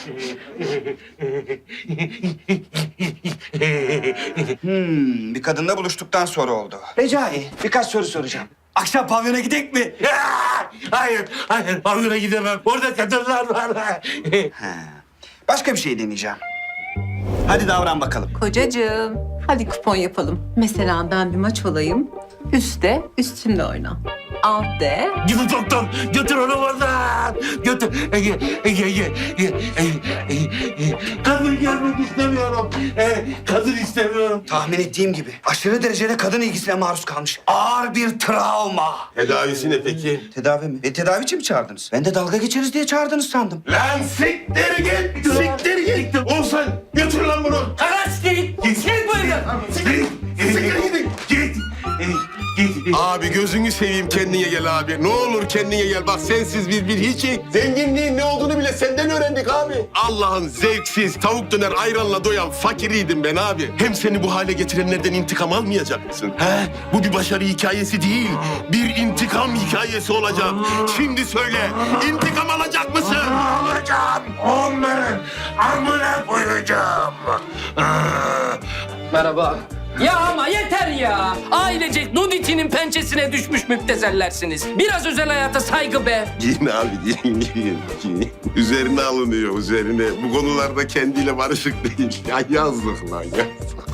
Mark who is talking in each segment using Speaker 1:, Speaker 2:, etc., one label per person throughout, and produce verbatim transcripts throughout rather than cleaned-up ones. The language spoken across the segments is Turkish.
Speaker 1: Hmm, bir kadınla buluştuktan sonra oldu. Recai, birkaç soru soracağım. Akşam pavyona gidek mi?
Speaker 2: Hayır, hayır. Pavyona gidemem. Orada kadınlar var.
Speaker 1: Ha. Başka bir şey deneyeceğim. Hadi davran bakalım.
Speaker 3: Kocacığım, hadi kupon yapalım. Mesela ben bir maç olayım. Üste, üstümle oyna. Alt de.
Speaker 2: Gidin doktor. Götür onu oradan. Götür. Ege, Ege, Ege. Ege, Ege, Ege. Kadın görmek istemiyorum. Ee, kadın istemiyorum.
Speaker 1: Tahmin ettiğim gibi aşırı derecede kadın ilgisine maruz kalmış. Ağır bir travma.
Speaker 4: Tedavisi ne peki?
Speaker 1: Tedavi mi? E tedavi için mi çağırdınız? Ben de dalga geçeriz diye çağırdınız sandım.
Speaker 4: Lan siktir git! Siktir git! Oğuzhan götür lan bunu!
Speaker 2: Kaç git. Git bu evden.
Speaker 4: Siktir! Siktir gidin!
Speaker 2: Git. Git.
Speaker 4: Abi gözünü seveyim kendine gel abi. Ne olur kendine gel. Bak sensiz biz bir hiçi. Zenginliğin ne olduğunu bile senden öğrendik abi. Allah'ın zevksiz tavuk döner ayranla doyan fakiriydim ben abi. Hem seni bu hale getirenlerden intikam almayacak mısın? He? Bu bir başarı hikayesi değil. Bir intikam hikayesi olacak. Şimdi söyle. İntikam alacak mısın?
Speaker 2: Alacağım. Onların amına koyacağım.
Speaker 5: Merhaba. Ya ama yeter ya. Ailecek Nuditi'nin pençesine düşmüş müptezellersiniz. Biraz özel hayata saygı be.
Speaker 4: Giyin abi giyin giyin. giyin. Üzerine alınıyor üzerine. Bu konularda kendiyle barışık değil. Ya yazdık lan yazdık.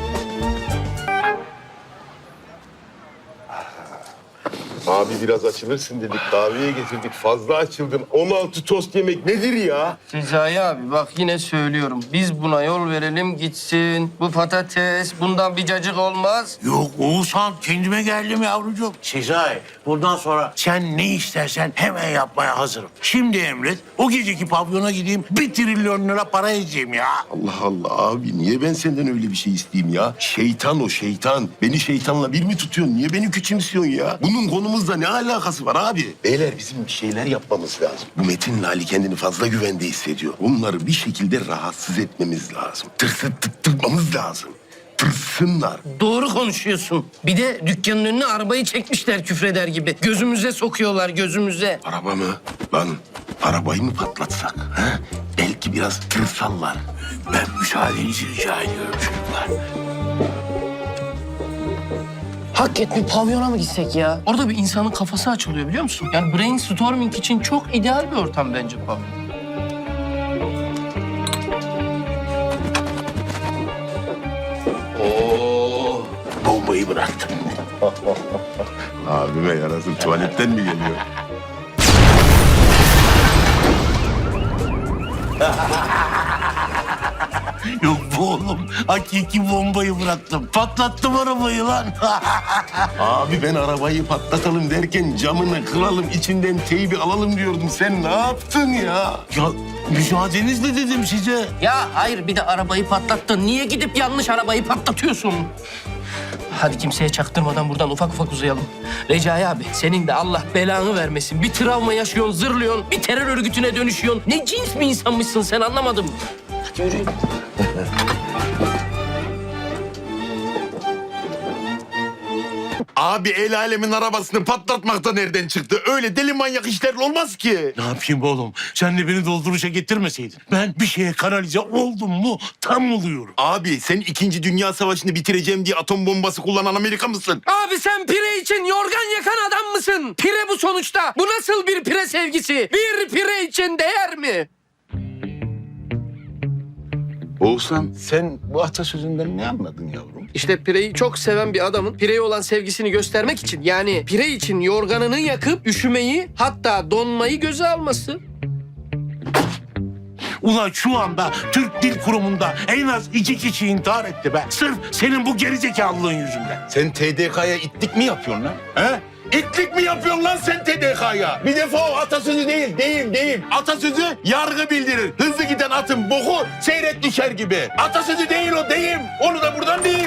Speaker 4: Abi biraz açılırsın dedik. Kahveye getirdik. Fazla açıldın. on altı tost yemek nedir ya?
Speaker 5: Sezai abi bak yine söylüyorum. Biz buna yol verelim gitsin. Bu patates bundan bir cacık olmaz.
Speaker 2: Yok Oğuzhan kendime geldim yavrucuğum. Sezai bundan sonra sen ne istersen hemen yapmaya hazırım. Şimdi emret o geceki pavyona gideyim bir trilyon lira para edeceğim ya.
Speaker 4: Allah Allah abi niye ben senden öyle bir şey isteyeyim ya? Şeytan o şeytan. Beni şeytanla bir mi tutuyorsun? Niye beni küçümsüyorsun ya? Bunun konumuzla ne alakası var abi? Beyler bizim bir şeyler yapmamız lazım. Bu Metin'le Ali kendini fazla güvende hissediyor. Onları bir şekilde rahatsız etmemiz lazım. Tırsıttırmamız lazım. Tırsınlar.
Speaker 5: Doğru konuşuyorsun. Bir de dükkanın önüne arabayı çekmişler küfreder gibi. Gözümüze sokuyorlar gözümüze.
Speaker 4: Araba mı? Lan arabayı mı patlatsak? Ha? Belki biraz tırsallar.
Speaker 2: Ben müsaadenizi rica ediyorum çocuklar.
Speaker 5: Hakikaten bir pavyona mı gitsek ya? Orada bir insanın kafası açılıyor biliyor musun? Yani brainstorming için çok ideal bir ortam bence pavyon.
Speaker 4: Oo.
Speaker 2: Bombayı bıraktım.
Speaker 4: Abime yarasın tuvaletten mi geliyor?
Speaker 2: Yok bu oğlum. Hakiki bombayı bıraktım. Patlattım arabayı lan.
Speaker 4: Abi ben arabayı patlatalım derken camını kıralım, içinden teybi alalım diyordum. Sen ne yaptın ya?
Speaker 2: Ya müsaadenizle dedim size.
Speaker 5: Ya hayır bir de arabayı patlattın. Niye gidip yanlış arabayı patlatıyorsun? Hadi kimseye çaktırmadan buradan ufak ufak uzayalım. Recai abi senin de Allah belanı vermesin. Bir travma yaşıyorsun, zırlıyorsun, bir terör örgütüne dönüşüyorsun. Ne cins bir insanmışsın sen anlamadım. Hadi yürü.
Speaker 4: Abi el alemin arabasını patlatmak da nereden çıktı? Öyle deli manyak işler olmaz ki.
Speaker 2: Ne yapayım be oğlum? Sen de beni dolduruşa getirmeseydin. Ben bir şeye kanalize oldum mu tam oluyorum.
Speaker 4: Abi sen İkinci Dünya Savaşı'nı bitireceğim diye atom bombası kullanan Amerika mısın?
Speaker 5: Abi sen pire için yorgan yakan adam mısın? Pire bu sonuçta. Bu nasıl bir pire sevgisi? Bir pire için değer mi?
Speaker 4: Oğuzhan sen bu atasözünden ne anladın yavrum?
Speaker 5: İşte pireyi çok seven bir adamın pireye olan sevgisini göstermek için yani pire için yorganını yakıp üşümeyi hatta donmayı göze alması.
Speaker 2: Ulan şu anda Türk Dil Kurumu'nda en az iki kişi intihar etti be. Sırf senin bu gerizekalılığın yüzünden.
Speaker 4: Sen T D K'ya itlik mi yapıyorsun lan? He? İtlik mi yapıyorsun lan sen T D K'ya? Bir defa o atasözü değil, değil, değil. Atasözü yargı bildirir. Hızlı giden atın boku seyrek düşer gibi. Atasözü değil o, deyim. Onu da buradan diyeyim.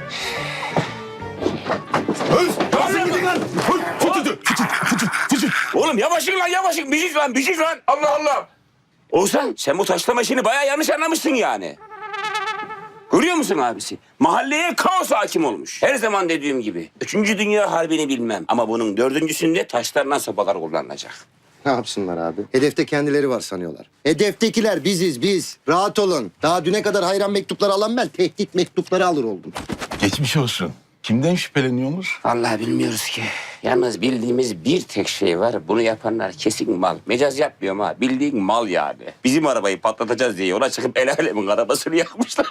Speaker 4: Öz, nasıl gidin lan? Fıçı, fıçı, fıçı, fıçı.
Speaker 6: Oğlum yavaşın lan yavaşın. Biziz lan biziz lan. Allah Allah. Oğuzhan sen bu taşlama işini bayağı yanlış anlamışsın yani. Görüyor musun abisi? Mahalleye kaos hakim olmuş. Her zaman dediğim gibi. Üçüncü Dünya Harbi'ni bilmem. Ama bunun dördüncüsünde taşlarla sopalar kullanılacak.
Speaker 7: Ne yapsınlar abi? Hedefte kendileri var sanıyorlar. Hedeftekiler biziz biz. Rahat olun. Daha düne kadar hayran mektupları alan ben tehdit mektupları alır oldum.
Speaker 8: Geçmiş olsun. Kimden şüpheleniyorsunuz?
Speaker 6: Vallahi bilmiyoruz ki. Yalnız bildiğimiz bir tek şey var. Bunu yapanlar kesin mal. Mecaz yapmıyorum ha. Bildiğin mal yani. Bizim arabayı patlatacağız diye yola çıkıp el alemin arabasını yakmışlar.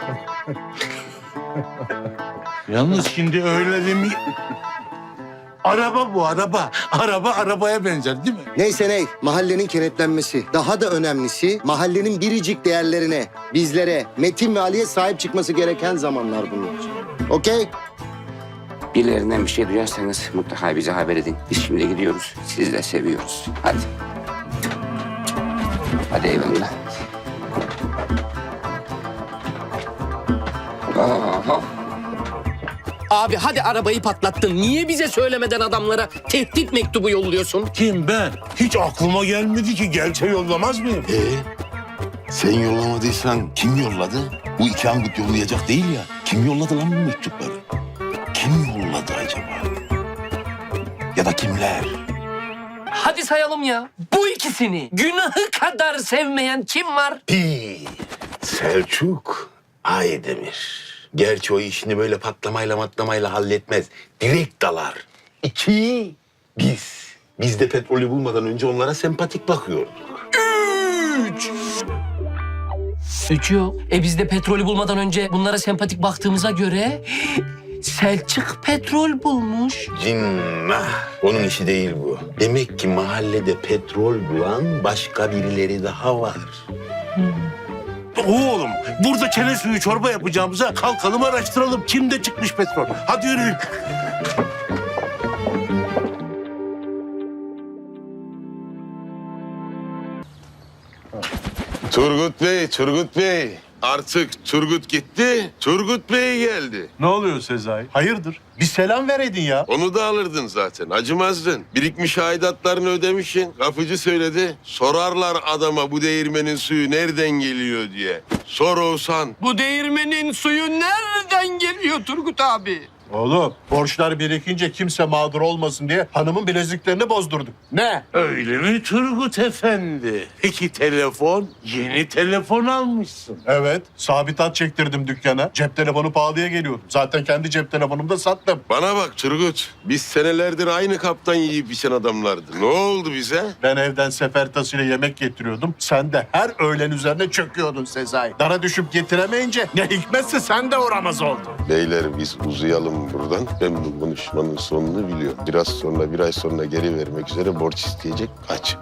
Speaker 2: Yalnız şimdi öyle demi... Araba bu araba. Araba arabaya benzer değil mi?
Speaker 7: Neyse ney, mahallenin kenetlenmesi. Daha da önemlisi mahallenin biricik değerlerine, bizlere, Metin ve Ali'ye sahip çıkması gereken zamanlar bunlar. Okey?
Speaker 6: Birilerinden bir şey duyarsanız mutlaka bize haber edin. Biz şimdi gidiyoruz. Sizi de seviyoruz. Hadi. Hadi eyvallah. Aha.
Speaker 5: Abi hadi arabayı patlattın. Niye bize söylemeden adamlara tehdit mektubu yolluyorsun?
Speaker 2: Kim ben? Hiç aklıma gelmedi ki. Gelse yollamaz mıyım?
Speaker 8: Ee, sen yollamadıysan kim yolladı? Bu iki angut yollayacak değil ya. Kim yolladı lan bu mektupları? Kim yolladı acaba? Ya da kimler?
Speaker 5: Hadi sayalım ya. Bu ikisini günahı kadar sevmeyen kim var?
Speaker 8: Bir, Selçuk Aydemir. Gerçi o işini böyle patlamayla matlamayla halletmez. Direkt dalar. İki, biz. Biz de petrolü bulmadan önce onlara sempatik bakıyorduk.
Speaker 5: Üç yok. E biz de petrolü bulmadan önce bunlara sempatik baktığımıza göre Selçuk petrol bulmuş.
Speaker 8: Cinnah. Onun işi değil bu. Demek ki mahallede petrol bulan başka birileri daha var.
Speaker 2: Oğlum burada çene suyu çorba yapacağımıza kalkalım araştıralım. Kimde çıkmış petrol? Hadi yürüyün.
Speaker 4: Turgut Bey, Turgut Bey. Artık Turgut gitti, Turgut Bey geldi.
Speaker 9: Ne oluyor Sezai? Hayırdır? Bir selam vereydin ya.
Speaker 4: Onu da alırdın zaten, acımazdın. Birikmiş aidatlarını ödemişsin. Kapıcı söyledi. Sorarlar adama bu değirmenin suyu nereden geliyor diye. Sor Oğuzhan.
Speaker 5: Bu değirmenin suyu nereden geliyor Turgut abi?
Speaker 9: Oğlum borçlar birikince kimse mağdur olmasın diye hanımın bileziklerini bozdurduk. Ne?
Speaker 2: Öyle mi Turgut Efendi? Peki telefon? Yeni telefon almışsın.
Speaker 9: Evet, sabit hat çektirdim dükkana. Cep telefonu pahalıya geliyordu. Zaten kendi cep telefonumu da sattım.
Speaker 4: Bana bak Turgut. Biz senelerdir aynı kaptan yiyip içen adamlardı. Ne oldu bize?
Speaker 9: Ben evden sefer tasıyla yemek getiriyordum. Sen de her öğlen üzerine çöküyordun Sezai. Dara düşüp getiremeyince ne hikmetse sen de uğramaz oldun.
Speaker 4: Beyler biz uzayalım buradan. Ben bu konuşmanın sonunu biliyorum. Biraz sonra, bir ay sonra geri vermek üzere borç isteyecek. Kaç.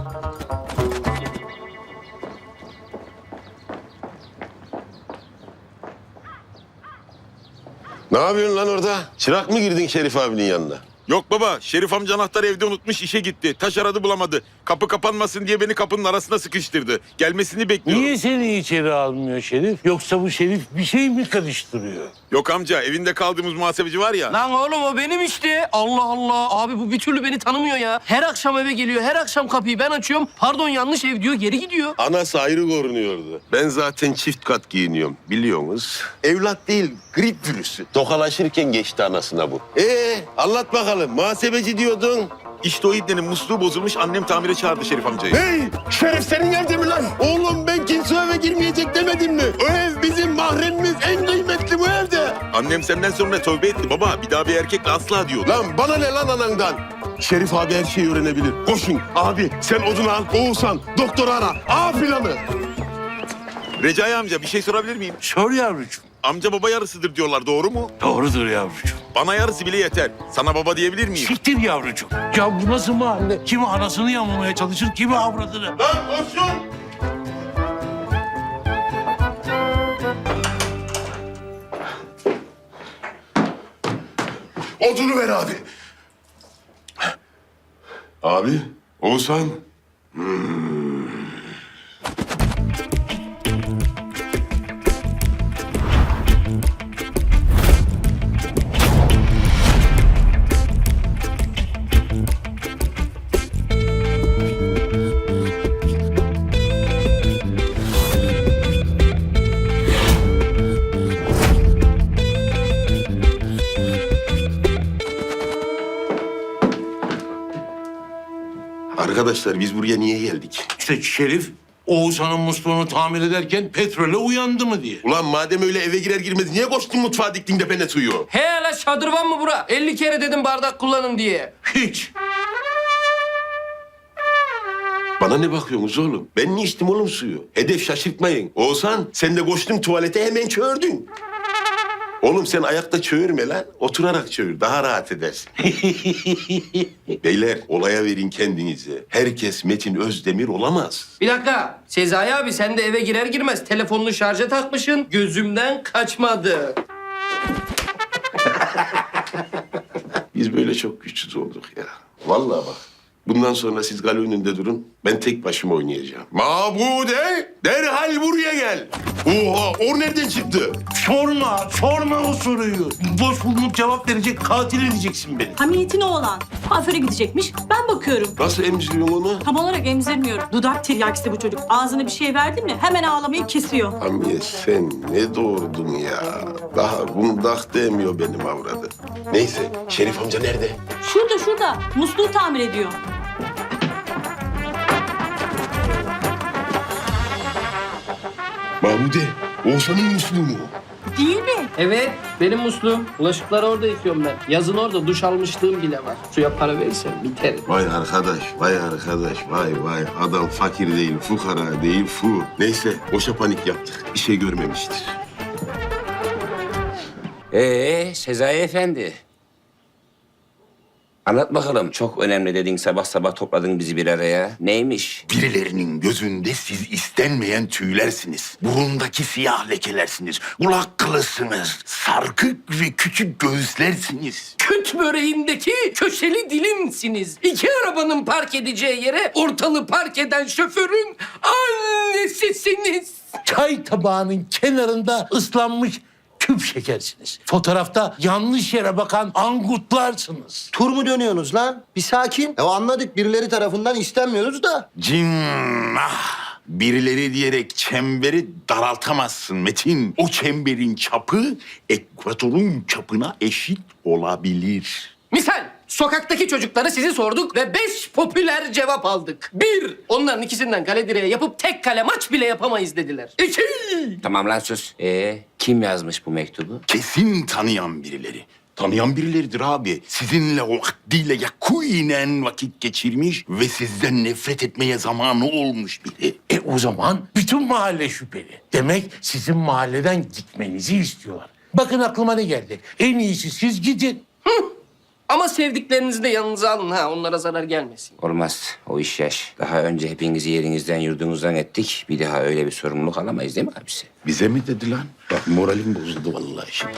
Speaker 4: Ne yapıyorsun lan orada? Çırak mı girdin Şerif abinin yanına?
Speaker 10: Yok baba, Şerif amca anahtarı evde unutmuş, işe gitti. Taş aradı bulamadı. Kapı kapanmasın diye beni kapının arasına sıkıştırdı. Gelmesini bekliyorum.
Speaker 2: Niye seni içeri almıyor Şerif? Yoksa bu Şerif bir şey mi karıştırıyor?
Speaker 10: Yok amca, evinde kaldığımız muhasebeci var ya.
Speaker 5: Lan oğlum o benim işte. Allah Allah. Abi bu bir türlü beni tanımıyor ya. Her akşam eve geliyor. Her akşam kapıyı ben açıyorum. Pardon yanlış ev diyor. Geri gidiyor.
Speaker 4: Anası ayrı korunuyordu. Ben zaten çift kat giyiniyorum biliyorsunuz. Evlat değil grip virüsü. Tokalaşırken geçti anasına bu. Ee anlat bakalım muhasebeci diyordun.
Speaker 10: İşte o ibnenin musluğu bozulmuş, annem tamire çağırdı Şerif amcayı.
Speaker 4: Hey Şerif senin evde mi lan? Oğlum ben kimse eve girmeyecek demedim mi? O ev bizim mahremimiz en kıymetli bu evde.
Speaker 10: Annem senden sonra tövbe etti baba. Bir daha bir erkekle asla diyordu.
Speaker 4: Lan bana ne lan anandan? Şerif abi her şeyi öğrenebilir. Koşun abi sen odunu al. Oğuzhan doktoru ara. A planı.
Speaker 10: Recai amca bir şey sorabilir miyim?
Speaker 2: Sor yavrucuğum.
Speaker 10: Amca baba yarısıdır diyorlar, doğru mu?
Speaker 2: Doğrudur yavrucuğum.
Speaker 10: Bana yarısı bile yeter. Sana baba diyebilir miyim?
Speaker 2: Siktir yavrucuğum. Ya bu nasıl mahalle? Kimi anasını yamamaya çalışır, kimi avradını.
Speaker 4: Lan koşun. Odunu ver abi. Abi, Oğuzhan. Hmm. Arkadaşlar biz buraya niye geldik?
Speaker 2: İşte Şerif Oğuzhan'ın musluğunu tamir ederken petrole uyandı mı diye.
Speaker 4: Ulan madem öyle eve girer girmez niye koştun mutfağa diktin depene suyu?
Speaker 5: He la şadırvan mı bura? elli kere dedim bardak kullanın diye.
Speaker 2: Hiç.
Speaker 4: Bana ne bakıyorsunuz oğlum? Ben ne içtim oğlum suyu? Hedef şaşırtmayın. Oğuzhan sen de koştun tuvalete hemen çöğürdün. Oğlum sen ayakta çöğürme lan. Oturarak çöğür. Daha rahat edersin. Beyler olaya verin kendinizi. Herkes Metin Özdemir olamaz.
Speaker 5: Bir dakika. Sezai abi sen de eve girer girmez telefonunu şarja takmışsın. Gözümden kaçmadı.
Speaker 4: Biz böyle çok güçsüz olduk ya. Vallahi bak. Bundan sonra siz kale önünde durun. Ben tek başıma oynayacağım. Mabude derhal buraya gel. Oha o nereden çıktı?
Speaker 2: Sorma, sorma o soruyu. Boş bulunup cevap verecek, katil edeceksin beni.
Speaker 11: Hamiyet'in oğlan. Kuaföre gidecekmiş. Ben bakıyorum.
Speaker 4: Nasıl emziriyorsun onu?
Speaker 11: Tam olarak emzirmiyorum. Dudak tiryakisi bu çocuk. Ağzına bir şey verdi mi hemen ağlamayı kesiyor.
Speaker 4: Hamiye sen ne doğurdun ya? Daha kundak demiyor benim avradı. Neyse Şerif amca nerede?
Speaker 11: Şurada şurada. Musluğu tamir ediyor.
Speaker 4: Mabude Oğuzhan'ın musluğu mu?
Speaker 11: Değil mi?
Speaker 5: Evet benim musluğum. Bulaşıkları orada yıkıyorum ben. Yazın orada duş almışlığım bile var. Suya para verirsen biterim.
Speaker 4: Vay arkadaş, vay arkadaş, vay vay. Adam fakir değil, fukara değil, fu. Neyse, boşa panik yaptık. Bir şey görmemiştir.
Speaker 6: Ee Sezai Efendi. Anlat bakalım. Çok önemli dedin, sabah sabah topladın bizi bir araya. Neymiş?
Speaker 8: Birilerinin gözünde siz istenmeyen tüylersiniz. Burundaki siyah lekelersiniz. Kulak kılısınız. Sarkık ve küçük göğüslersiniz.
Speaker 5: Küt böreğindeki köşeli dilimsiniz. İki arabanın park edeceği yere ortalığı park eden şoförün annesisiniz.
Speaker 2: Çay tabağının kenarında ıslanmış küp şekersiniz. Fotoğrafta yanlış yere bakan angutlarsınız.
Speaker 7: Tur mu dönüyorsunuz lan? Bir sakin. Ya anladık birileri tarafından istenmiyoruz da.
Speaker 8: Cinnah! Birileri diyerek çemberi daraltamazsın Metin. O çemberin çapı ekvatorun çapına eşit olabilir.
Speaker 5: Misal sokaktaki çocukları sizi sorduk ve beş popüler cevap aldık. Bir, onların ikisinden kale direğe yapıp tek kale maç bile yapamayız dediler. İki,
Speaker 6: Tamam lan sus. Ee kim yazmış bu mektubu?
Speaker 8: Kesin tanıyan birileri. Tanıyan birileridir abi. Sizinle vaktiyle yakinen vakit geçirmiş ve sizden nefret etmeye zamanı olmuş biri.
Speaker 2: E o zaman bütün mahalle şüpheli. Demek sizin mahalleden gitmenizi istiyorlar. Bakın aklıma ne geldi. En iyisi siz gidin.
Speaker 5: ama sevdiklerinizi de yanınıza alın ha, onlara zarar gelmesin.
Speaker 6: Olmaz. O iş yaş. Daha önce hepinizi yerinizden yurdunuzdan ettik. Bir daha öyle bir sorumluluk alamayız değil mi abisi?
Speaker 8: Bize mi dedi lan? Bak moralim bozuldu vallahi şimdi.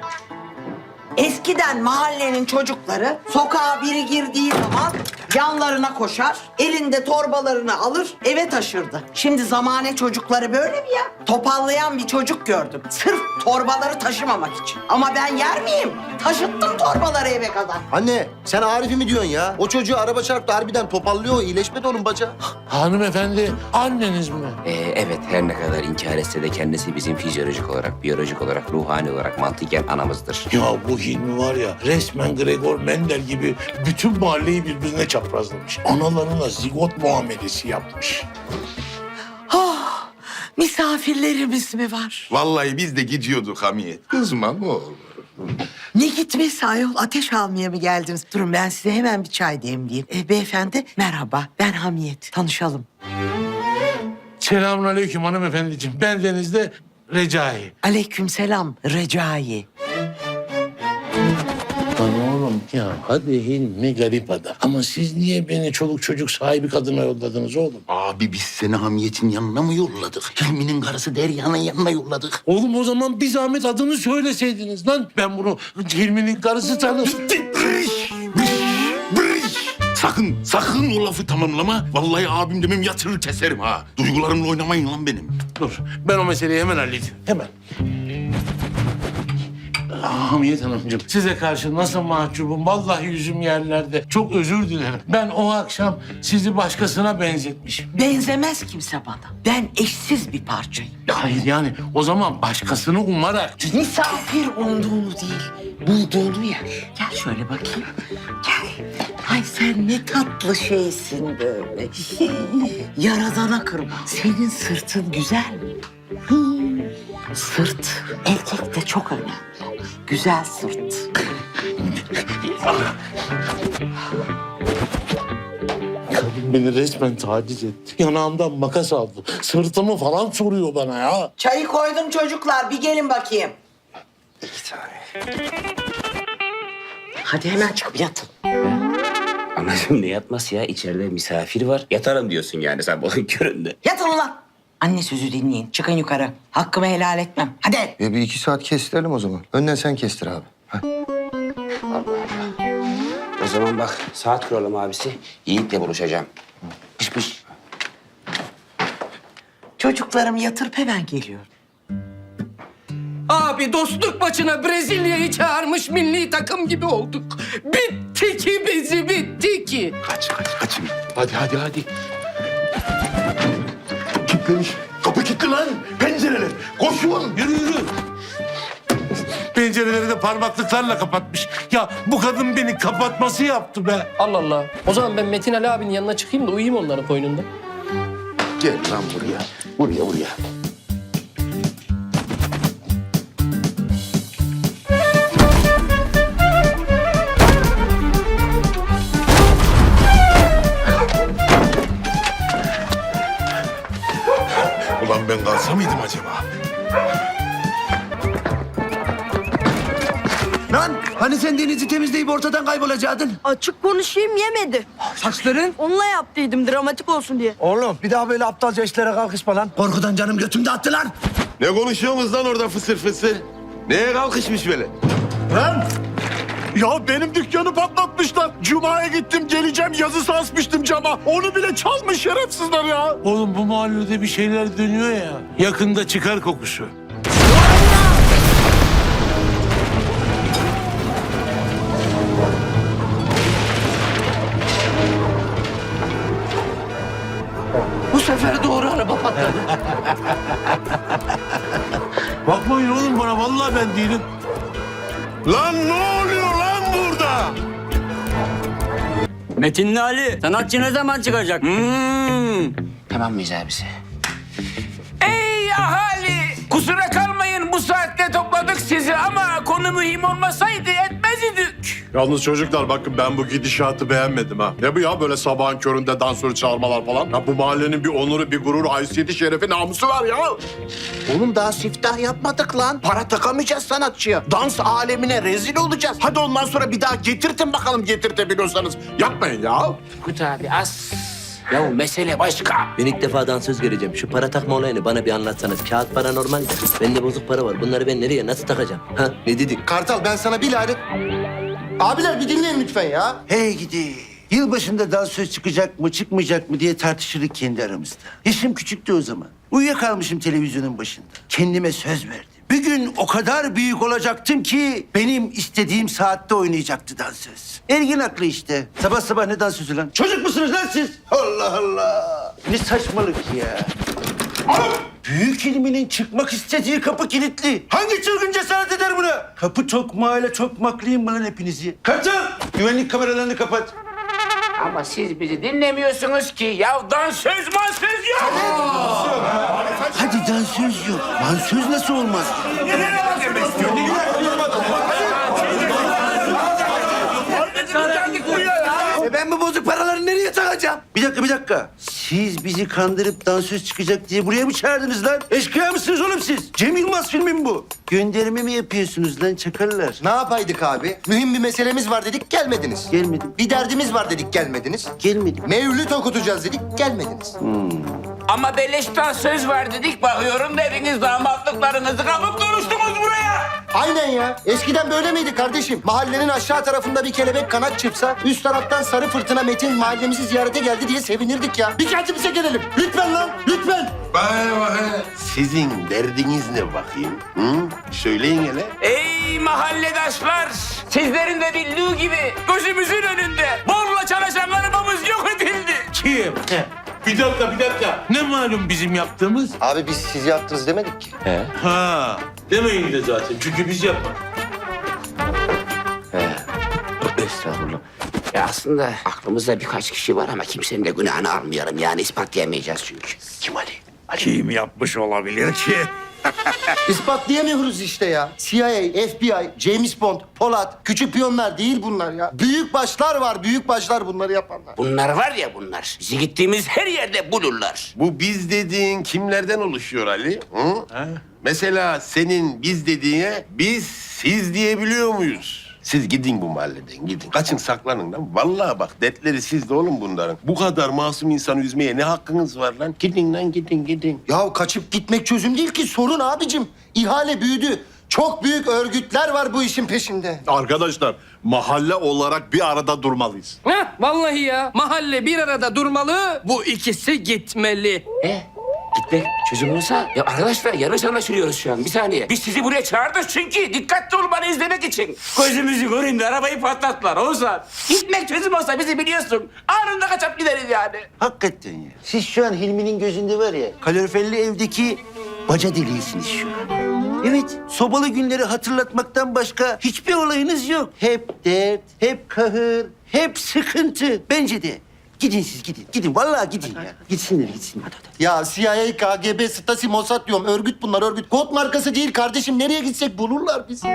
Speaker 12: Eskiden mahallenin çocukları sokağa biri girdiği zaman yanlarına koşar, elinde torbalarını alır, eve taşırdı. Şimdi zamane çocukları böyle mi ya? Topallayan bir çocuk gördüm. Sırf torbaları taşımamak için. Ama ben yer miyim? Taşıttım torbaları eve kadar.
Speaker 7: Anne sen Arif'i mi diyorsun ya? O çocuğu araba çarptı harbiden topallıyor. İyileşmedi onun bacağı.
Speaker 2: Hanımefendi anneniz mi?
Speaker 6: Ee, evet, her ne kadar inkar etse de kendisi bizim fizyolojik olarak, biyolojik olarak, ruhani olarak, mantıken anamızdır.
Speaker 2: Ya bu Hilmi var ya resmen Gregor Mendel gibi bütün mahalleyi birbirine çaprazlamış. Analarına zigot muamelesi yapmış.
Speaker 12: Oh, misafirlerimiz mi var?
Speaker 8: Vallahi biz de gidiyorduk Hamiyet. Kızma ne olur.
Speaker 12: Ne gitmesi ayol? Ateş almaya mı geldiniz? Durun ben size hemen bir çay demleyeyim. E, beyefendi merhaba, ben Hamiyet. Tanışalım.
Speaker 2: Selamünaleyküm hanımefendiciğim. Ben Deniz'de Recai.
Speaker 12: Aleykümselam Recai.
Speaker 2: Lan oğlum ya hadi Hilmi garip adam. Ama siz niye beni çoluk çocuk sahibi kadına yolladınız oğlum?
Speaker 8: Abi biz seni Hamiyet'in yanına mı yolladık? Hilmi'nin karısı Derya'nın yanına yolladık.
Speaker 2: Oğlum o zaman bir zahmet adını söyleseydiniz lan. Ben bunu Hilmi'nin karısı tanırım.
Speaker 8: Brış, brış, brış. Sakın, sakın o lafı tamamlama. Vallahi abim demem yatırır keserim ha. Duygularımla oynamayın lan benim.
Speaker 2: Dur ben o meseleyi hemen halledeyim. Hemen. Hamiyet Hanımcığım, size karşı nasıl mahcubum? Vallahi yüzüm yerlerde. Çok özür dilerim. Ben o akşam sizi başkasına benzetmişim.
Speaker 12: Benzemez kimse bana. Ben eşsiz bir parçayım.
Speaker 2: Hayır yani o zaman başkasını umarak...
Speaker 12: Misafir umduğunu değil, bulduğunu yer. Gel şöyle bakayım. Gel. Ay sen ne tatlı şeysin böyle. Yaradana kırma. Senin sırtın güzel mi? Hii. Sırt erkekte çok önemli. Güzel sırt.
Speaker 2: Kadın beni resmen taciz etti. Yanağımdan makas aldı. Sırtımı falan soruyor bana ya.
Speaker 12: Çayı koydum çocuklar. Bir gelin bakayım.
Speaker 1: İki tane.
Speaker 12: Hadi hemen çıkıp yatın.
Speaker 6: Anacığım ne yatması ya? İçeride misafir var. Yatarım diyorsun yani sabahın köründe.
Speaker 12: Yatın ulan. Anne sözü dinleyin. Çıkın yukarı. Hakkımı helal etmem. Hadi.
Speaker 7: E bir iki saat kestirelim o zaman. Önden sen kestir abi. Hadi.
Speaker 6: O zaman bak saat kuralım abisi. Yiğit'le buluşacağım. Pış pış.
Speaker 12: Çocuklarım yatırıp hemen geliyor.
Speaker 5: Abi dostluk maçına Brezilya'yı çağırmış milli takım gibi olduk. Bitti ki bizi bitti ki.
Speaker 8: Kaç kaç kaçın. Hadi hadi hadi. Kilitlemiş. Kapı kilitli lan. Pencereler. Koşun.
Speaker 2: Yürü yürü. Pencereleri de parmaklıklarla kapatmış. Ya bu kadın beni kapatması yaptı be.
Speaker 5: Allah Allah. O zaman ben Metin Ali abinin yanına çıkayım da uyuyayım onların koynunda.
Speaker 8: Gel lan buraya. Buraya buraya. Ulan ben kalsa mıydım acaba?
Speaker 1: Lan hani sen denizi temizleyip ortadan kaybolacaktın?
Speaker 13: Açık konuşayım yemedi.
Speaker 1: Saçların?
Speaker 13: Onunla yaptıydım dramatik olsun diye.
Speaker 1: Oğlum bir daha böyle aptalca işlere kalkışma lan. Korkudan canım götümde attı lan.
Speaker 4: Ne konuşuyorsunuz lan orada fısır fısır? Neye kalkışmış böyle?
Speaker 9: Lan! Ya benim dükkanı patlatmışlar. Cuma'ya gittim geleceğim yazısı asmıştım cama. Onu bile çalmış şerefsizler ya.
Speaker 2: Oğlum bu mahallede bir şeyler dönüyor ya. Yakında çıkar kokusu.
Speaker 5: Bu sefer doğru araba patladı.
Speaker 2: Bakmayın oğlum bana vallahi ben değilim.
Speaker 4: Lan ne oluyor lan burada?
Speaker 13: Metinli Ali sanatçı ne zaman çıkacak?
Speaker 6: Hmm. Tamam mıyız abisi? Ey ahali! Kusura kalmayın bu saatte topladık sizi ama konu mühim olmasaydı etmez idik.
Speaker 9: Yalnız çocuklar bakın ben bu gidişatı beğenmedim ha. Ne bu ya böyle sabahın köründe dansörü çağırmalar falan? Ya bu mahallenin bir onuru, bir gururu, haysiyeti, şerefi, namusu var ya.
Speaker 2: Oğlum daha siftah yapmadık lan. Para takamayacağız sanatçıya. Dans alemine rezil olacağız.
Speaker 9: Hadi ondan sonra bir daha getirtin bakalım getirtebiliyorsanız. Yapmayın ya.
Speaker 6: Kut abi az. Ya mesele başka.
Speaker 13: Ben ilk defa dansöz göreceğim. Şu para takma olayını bana bir anlatsanız. Kağıt para normal. Bende bozuk para var. Bunları ben nereye nasıl takacağım? Ha ne dedik?
Speaker 7: Kartal ben sana bir lanet... Abiler bir dinleyin lütfen ya.
Speaker 1: Hey gidi. Yılbaşında dansöz çıkacak mı çıkmayacak mı diye tartışırdık kendi aramızda. Yaşım küçüktü o zaman. Uyuyakalmışım televizyonun başında. Kendime söz verdim. Bir gün o kadar büyük olacaktım ki benim istediğim saatte oynayacaktı dansöz. Ergin aklı işte. Sabah sabah ne dansözü lan? Çocuk musunuz lan siz? Allah Allah. Ne saçmalık ya. Büyük ilminin çıkmak istediği kapı kilitli. Hangi çılgın cesaret eder buna? Kapı tokmağıyla tokmaklayayım mı lan hepinizi? Kartal! Güvenlik kameralarını kapat.
Speaker 6: Ama siz bizi dinlemiyorsunuz ki. Ya dansöz mansöz yok.
Speaker 1: Hadi dansöz yok. Mansöz nasıl olmaz? E ben bu bozuk paraları nereye takacağım? Bir dakika, bir dakika. Siz bizi kandırıp dansöz çıkacak diye buraya mı çağırdınız lan? Eşkıya mısınız oğlum siz? Cem Yılmaz filmi mi bu? Gönderme mi yapıyorsunuz lan çakallar?
Speaker 7: Ne yapaydık abi? Mühim bir meselemiz var dedik gelmediniz.
Speaker 1: Gelmedim.
Speaker 7: Bir derdimiz var dedik gelmediniz.
Speaker 1: Gelmedim.
Speaker 7: Mevlüt okutacağız dedik gelmediniz.
Speaker 6: Ama beleşten söz var dedik. Bakıyorum dediniz damatlıklarınızı kapıp duruştunuz buraya.
Speaker 7: Aynen ya. Eskiden böyle miydi kardeşim? Mahallenin aşağı tarafında bir kelebek kanat çırpsa üst taraftan sarı fırtına Metin mahallemizi ziyarete geldi diye sevinirdik ya. Bir kendimize gelelim. Lütfen lan, lütfen.
Speaker 8: Bana bakın. Sizin derdiniz ne bakayım? Hı? Söyleyin hele.
Speaker 6: Ey mahalledaşlar. Sizlerin de bildiği gibi gözümüzün önünde borla çalışan arabamız yok edildi.
Speaker 2: Kim? Bir dakika, bir dakika. Ne malum bizim yaptığımız?
Speaker 7: Abi biz siz yaptınız demedik ki.
Speaker 2: Ha, demeyin de zaten. Çünkü biz yapmadık.
Speaker 6: Estağfurullah. E aslında aklımızda birkaç kişi var ama kimsenin de günahını almayalım. Yani ispatlayamayacağız çünkü. Kim Ali?
Speaker 2: Kim yapmış olabilir ki?
Speaker 7: İspatlayamıyoruz işte ya. C I A, F B I, James Bond, Polat, küçük piyonlar değil bunlar ya. Büyük başlar var, büyük başlar bunları yapanlar.
Speaker 6: Bunlar var ya bunlar. Bizi gittiğimiz her yerde bulurlar.
Speaker 4: Bu biz dediğin kimlerden oluşuyor Ali? Hı? Mesela senin biz dediğine biz siz diyebiliyor muyuz? Siz gidin bu mahalleden gidin. Kaçın saklanın lan. Vallahi bak dertleri sizde oğlum bunların. Bu kadar masum insanı üzmeye ne hakkınız var lan? Gidin lan gidin gidin.
Speaker 7: Ya kaçıp gitmek çözüm değil ki sorun abicim. İhale büyüdü. Çok büyük örgütler var bu işin peşinde.
Speaker 9: Arkadaşlar mahalle olarak bir arada durmalıyız.
Speaker 5: Heh, vallahi ya. Mahalle bir arada durmalı, bu ikisi gitmeli.
Speaker 6: E? Gitmek çözüm olsa... Ya arkadaşlar yanlış anlaşılıyoruz şu an. Bir saniye. Biz sizi buraya çağırdık çünkü dikkatli olmanı izlemek için. Gözümüzü göreyim de arabayı patlattılar Oğuzhan. Gitmek çözüm olsa bizi biliyorsun. Anında kaçıp gideriz yani.
Speaker 1: Hakikaten ya. Siz şu an Hilmi'nin gözünde var ya, kaloriferli evdeki baca deliğisiniz şu an. Evet, sobalı günleri hatırlatmaktan başka hiçbir olayınız yok. Hep dert, hep kahır, hep sıkıntı. Bence de. Gidin siz gidin. Gidin vallahi gidin ya. Gitsinler gitsinler.
Speaker 7: Ya C I A, K G B, Stasi, Mossad diyorum. Örgüt bunlar örgüt. Kod markası değil kardeşim. Nereye gitsek bulurlar bizi.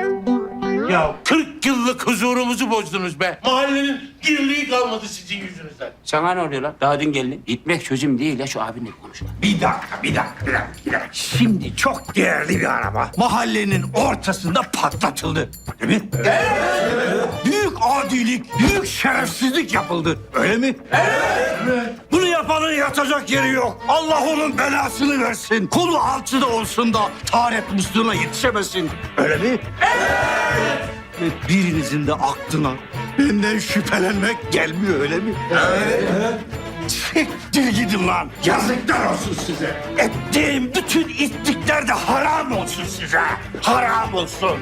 Speaker 2: Ya kırk yıllık huzurumuzu bozdunuz be. Mahallenin dirliği kalmadı sizin yüzünüzden.
Speaker 6: Sana ne oluyor lan? Daha dün geldin. Gitmek çözüm değil ya şu abinle konuş lan.
Speaker 2: Bir dakika, bir dakika, bir dakika, bir dakika. Şimdi çok değerli bir araba mahallenin ortasında patlatıldı. Değil mi? Evet. Büyük adilik, büyük şerefsizlik yapıldı. Öyle mi? Evet. Bunu yapanın yatacak yeri yok. Allah onun belasını versin. Kolu alçıda olsun da taharet musluğuna yetişemesin. Öyle mi? Evet. Ve birinizin de aklına benden şüphelenmek gelmiyor öyle mi? Evet. Siktir gidin lan. Yazıklar olsun size. Ettiğim bütün itlikler de haram olsun size. Haram olsun.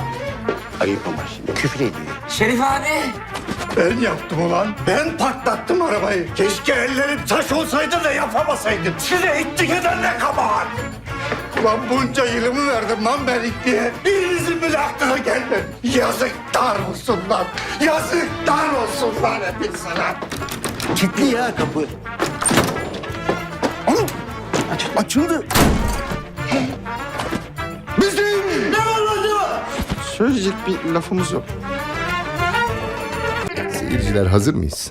Speaker 1: Ayıp ama şimdi küfür ediyor.
Speaker 6: Şerif abi.
Speaker 2: Ben yaptım ulan. Ben patlattım arabayı. Keşke ellerim taş olsaydı da yapamasaydım. Size itlik eden ne kabahat. Ulan bunca yılımı verdim lan ben itliğe. Birinizin bile aklına gelmedi. Yazıklar olsun lan. Yazıklar olsun lan hepinize lan.
Speaker 1: Kilitli ya kapı. Oğlum aç, açıldı. Bizim ne var acaba?
Speaker 7: Söyleyecek bir lafımız yok.
Speaker 14: Seyirciler hazır mıyız?